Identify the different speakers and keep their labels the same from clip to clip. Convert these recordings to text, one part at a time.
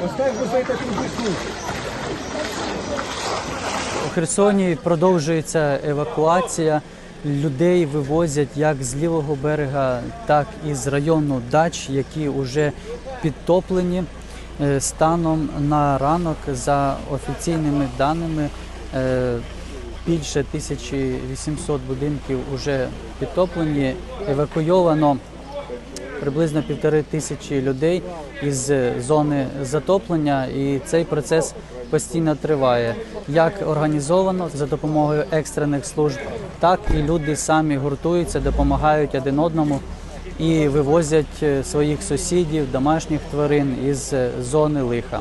Speaker 1: У Херсоні продовжується евакуація. Людей вивозять як з лівого берега, так і з району дач, які вже підтоплені. Станом на ранок, за офіційними даними, більше 1800 будинків вже підтоплені. Евакуйовано приблизно 1500 людей із зони затоплення, і цей процес постійно триває. Як організовано за допомогою екстрених служб, так і люди самі гуртуються, допомагають один одному і вивозять своїх сусідів, домашніх тварин із зони лиха.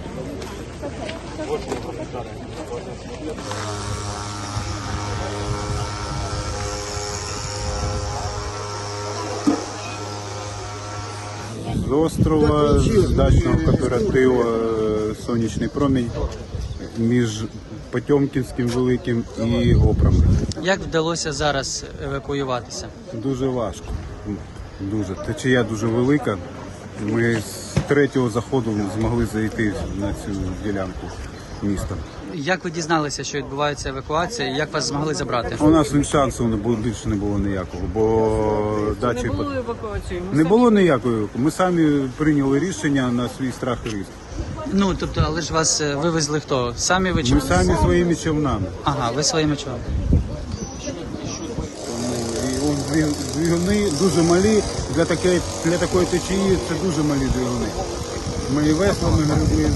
Speaker 2: З острова, з дачного кооперативу «Сонячний промінь» між Потьомкінським великим і Опрами.
Speaker 1: Як вдалося зараз евакуюватися?
Speaker 2: Дуже важко. Дуже. Течія дуже велика. Ми з третього заходу змогли зайти на цю ділянку міста.
Speaker 1: Як ви дізналися, що відбувається евакуація, і як вас змогли забрати?
Speaker 2: У нас шансу більше не було ніякого, бо дачі
Speaker 3: Не було евакуації?
Speaker 2: не було ніякої. Ми самі прийняли рішення на свій страх і ризик.
Speaker 1: Ну, тобто, але ж вас вивезли хто? Самі ви чи?
Speaker 2: Ми самі своїми човнами.
Speaker 1: Ага, ви своїми човнами.
Speaker 2: Двигуни дуже малі, для такої течії це дуже малі двигуни. Ми і веслами гребли.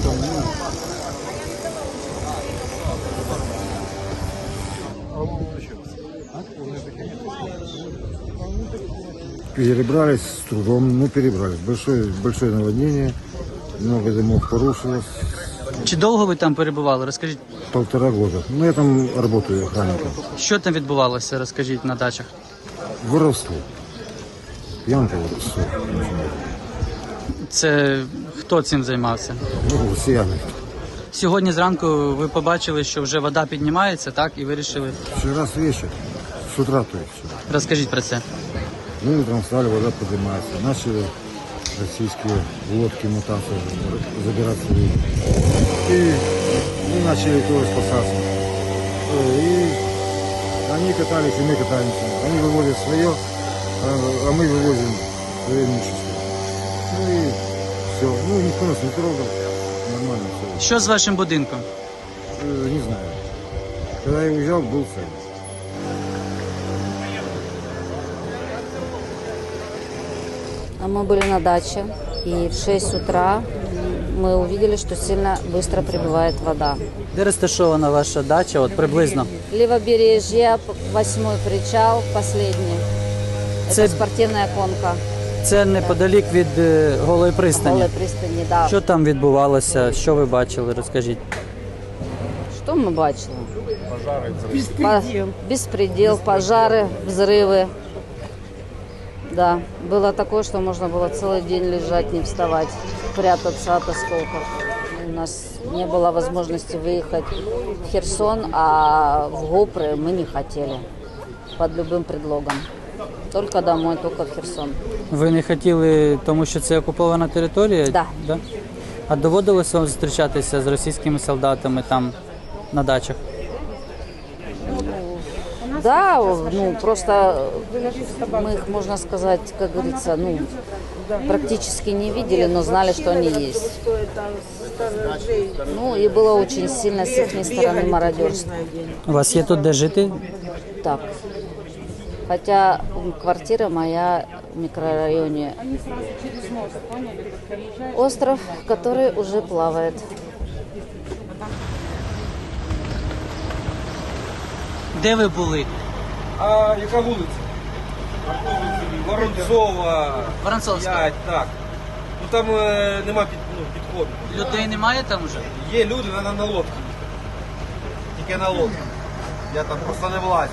Speaker 4: Перебрались с трудом, перебрались. Большое наводнение, много домов порушилось.
Speaker 1: Чи довго ви там перебували? Розкажіть,
Speaker 4: 1,5 года. Я там работаю охранником.
Speaker 1: що там відбувалося, розкажіть, на дачах?
Speaker 4: Воровство. Пьянка, воровство.
Speaker 1: Це хто цим займався?
Speaker 4: Россияне.
Speaker 1: Сьогодні зранку ви побачили, що вже вода піднімається, так? І вирішили.
Speaker 4: Вчера с вечера, с утра то есть.
Speaker 1: Розкажіть про це.
Speaker 4: Мы утром встали, вода поднимается. Начали российские лодки, мутанты забираться в реку. И мы начали тоже спасаться. И они катались, и мы катаемся. Они вывозят свое, а мы вывозим свое имущество. И все. Никто нас не трогал. Нормально все.
Speaker 1: Що з вашим будинком?
Speaker 4: Не знаю. Когда я уезжал, был целый.
Speaker 5: Мы были на даче, и в 6 утра мы увидели, что сильно быстро прибывает вода.
Speaker 1: Де розташована ваша дача, от приблизно?
Speaker 5: Левобережье, 8-й причал, последний.
Speaker 1: Це-
Speaker 5: Это спортивная конка.
Speaker 1: Це неподалік від Голої пристані.
Speaker 5: Голой пристани, да.
Speaker 1: Що там відбувалося? Що ви бачили? Розкажіть.
Speaker 5: Что мы бачили?
Speaker 3: Беспредел.
Speaker 5: Беспредел, пожары, взрывы. Да, было такое, что можно было целый день лежать, не вставать, прятаться от осколков. У нас не было возможности выехать в Херсон, а в Гопры мы не хотели под любым предлогом. Только домой, только в Херсон.
Speaker 1: Ви не хотіли, тому що це окупована територія?
Speaker 5: Да.
Speaker 1: А доводилося вам зустрічатися з російськими солдатами там на дачах?
Speaker 5: Да, просто мы их, можно сказать, как говорится, практически не видели, но знали, что они есть. И было очень сильно с их стороны мародерство.
Speaker 1: У вас є тут де жити?
Speaker 5: Так. Хотя квартира моя в микрорайоне остров, который уже плавает.
Speaker 1: Де ви були?
Speaker 6: А яка вулиця? Воронцова,
Speaker 1: Воронцовська.
Speaker 6: 5, так. Там нема підходу.
Speaker 1: Людей немає там вже?
Speaker 6: Є люди, треба на лодці. Тільки на лодці. Я там просто не влазю.